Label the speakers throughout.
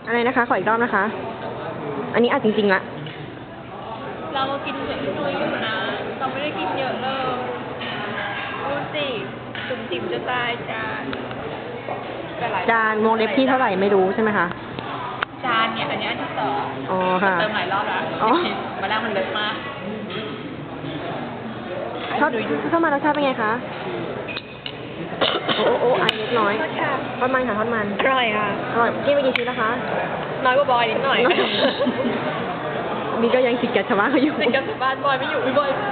Speaker 1: อะไรนะคะ ขออีกรอบนะคะ อันนี้จริงๆละ
Speaker 2: เรามากินเผ็ดน้อยอยู่นะ เราไม่ได้กินเยอะเลยดูสิจุ่มจิ๋มจะตายจาน
Speaker 1: จานวงเล็บที่เท่าไหร่ไม่รู้ใช่ไหมคะ
Speaker 2: จานเนี่ยอันนี้อันที่สอง
Speaker 1: อ๋อค่ะ
Speaker 2: เติมหลายรอบแล้ว
Speaker 1: อ๋อ
Speaker 2: มาแล้วมันเล็กมาก
Speaker 1: ทอดมันรสชาติเป็นไงคะ โอ้ไอเล็กน้อย ทอดมันค่ะทอดมัน
Speaker 2: อร่อยค่ะ
Speaker 1: อร่อยกินไปกี่ชิ้นนะคะ
Speaker 2: น้อยกว่าบอยนิดหน่อย
Speaker 1: นี่ก็ยังติดกับชาวบ้านเขาอยู่
Speaker 2: ติดกับบ้านบอยไม่อยู่ไม่บอยมา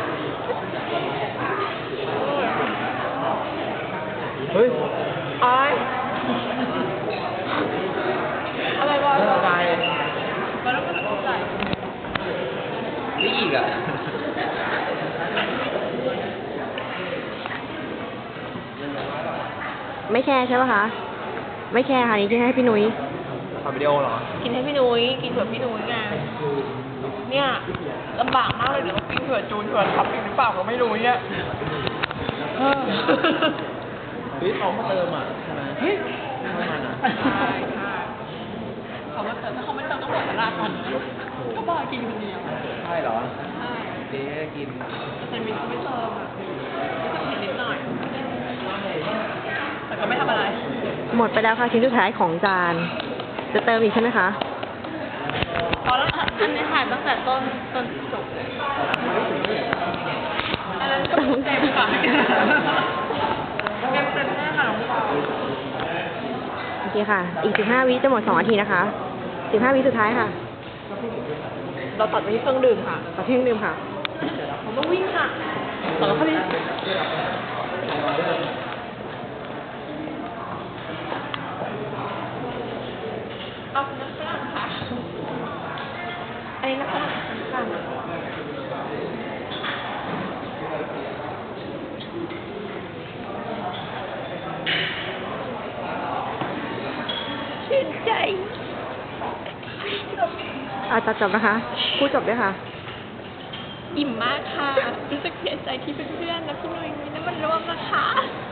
Speaker 3: เฮ้ย
Speaker 2: อ้อยอะไรบอย
Speaker 3: ใจ
Speaker 2: บอยต้องเป็นคนใส่
Speaker 3: นี่อีกอ่ะ
Speaker 1: ไม่แคร์ใช่ปะคะ ไม่แคร์ค่ะนี่กินให้พี่นุ้ย
Speaker 3: ทำวิดีโอเหรอ
Speaker 2: กินให้พี่นุ้ยกินเผื่อพี่นุ้ยไงเนี่ยลำบากมากเลยเดี๋ยวกินเผื่อจูนเผื่อทับอีกหรือเปล่าก็ไม่รู้เนี่ย
Speaker 3: เฮ้ยเขามาเติมอ่ะใช่ไหมเฮ้ยน้ำมันอ่ะ
Speaker 2: ใช่ค่ะเขามาเติมถ้าเขาไม่เติมต้องหมดตลาดกันก็บอยกินคนเดียว
Speaker 3: ใช่เหรอ
Speaker 2: ใช่
Speaker 3: เจ๊กิน
Speaker 2: แต่มินเขาไม่เติมอ่ะก็จะเผ็ดนิดหน่อยแต่ก็ไม่ทำอะไร
Speaker 1: หมดไปแล้วค่ะชิ้นสุดท้ายของจาน จะเติมอีกใช่ไหมคะ
Speaker 2: พอแล้วอันนี้ถ่ายตั้งแต่ต้นจบอันนั้นก็เต็มค่ะเต็มแน่ค่ะน้องสาว
Speaker 1: โอเคค่ะ อีก15 วิจะหมด2 นาทีนะคะ 15 วิสุดท้ายค่ะ
Speaker 2: เราตัดไปที่เครื่องดื่มค่ะ
Speaker 1: ขอเที่ยงดื่มค่ะ
Speaker 2: ผมต้องวิ่งค่ะต่อแล้วพอดีเอาน้ำฝรั่งค่ะอันนี้น้ำฝรั่งค่ะชื่นใจ
Speaker 1: ตัดจบนะคะ พูดจบด้วยค่ะ
Speaker 2: อิ่มมากค่ะ รู้สึกเสียใจที่เพื่อนๆและพี่หนุ่ยมีน้ำมันร่วมนะคะ